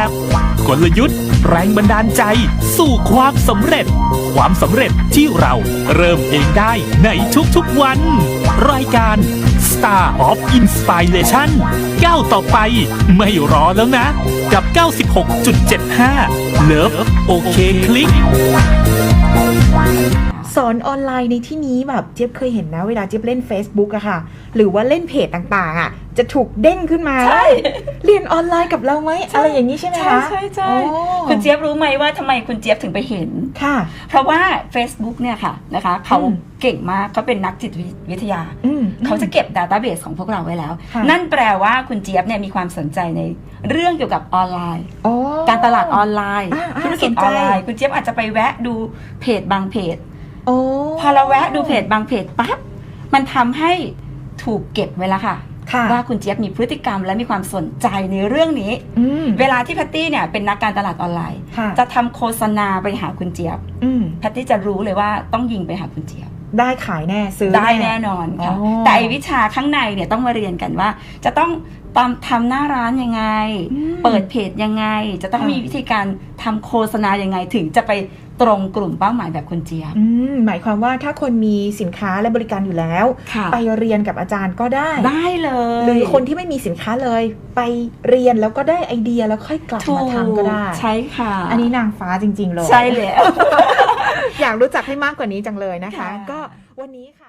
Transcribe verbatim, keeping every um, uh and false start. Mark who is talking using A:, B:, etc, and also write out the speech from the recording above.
A: กลยุทธ์แรงบันดาลใจสู่ความสำเร็จความสำเร็จที่เราเริ่มเองได้ในทุกๆวันรายการ Star of Inspiration ก้าวต่อไปไม่รอแล้วนะกับ เก้าสิบหกจุดเจ็ดห้า Love โอเคคลิก
B: สอนออนไลน์ในที่นี้แบบเจี๊ยบเคยเห็นนะเวลาเจี๊ยบเล่น Facebook อะค่ะหรือว่าเล่นเพจต่างๆอะจะถูกเด้งขึ้นมาใช่เรียนออนไลน์กับเราไหมอะไรอย่างนี้ใช่ไหมคะ
C: ใช่ใช่คุณเจี๊ยบรู้ไหมว่าทำไมคุณเจี๊ยบถึงไปเห็น
B: ค่ะ
C: เพราะว่า Facebook เนี่ยค่ะนะคะเขาเก่งมากเขาเป็นนักจิตวิทยาเขาจะเก็บ Database ของพวกเราไว้แล้วนั่นแปลว่าคุณเจี๊ยบเนี่ยมีความสนใจในเรื่องเกี่ยวกับออนไลน์การตลาดออนไลน์ธุรกิจออนไลน์คุณเจี๊ยบอาจจะไปแวะดูเพจบางเพจพอเราแวะดูเพจบางเพจปั๊บมันทำให้ถูกเก็บไว้แล้วค่ะว่าคุณเจี๊ยบมีพฤติกรรมและมีความสนใจในเรื่องนี้เวลาที่แพตตี้เนี่ยเป็นนักการตลาดออนไลน์จะทำโฆษณาไปหาคุณเจี๊ยบแพตตี้จะรู้เลยว่าต้องยิงไปหาคุณเจี๊ยบ
B: ได้ขายแน่ซื้อ
C: ได้แน่นอนค่ะแต่วิชาข้างในเนี่ยต้องมาเรียนกันว่าจะต้องตามทำหน้าร้านยังไงเปิดเพจยังไงจะต้องมีวิธีการทำโฆษณายังไงถึงจะไปตรงกลุ่มเป้าหมายแบบคุณเจี๊ยบ
B: หมายความว่าถ้าคนมีสินค้าและบริการอยู่แล้วไปเรียนกับอาจารย์ก็ได้
C: ได้เลย
B: หรือคนที่ไม่มีสินค้าเลยไปเรียนแล้วก็ได้ไอเดียแล้วค่อยกลับมาทำก็ได้
C: ใช่ค่ะ
B: อันนี้นางฟ้าจริงๆเลย
C: ใช่แล้ว
B: อยากรู้จักให้มากกว่านี้จังเลยนะคะก็วันนี้ค่ะ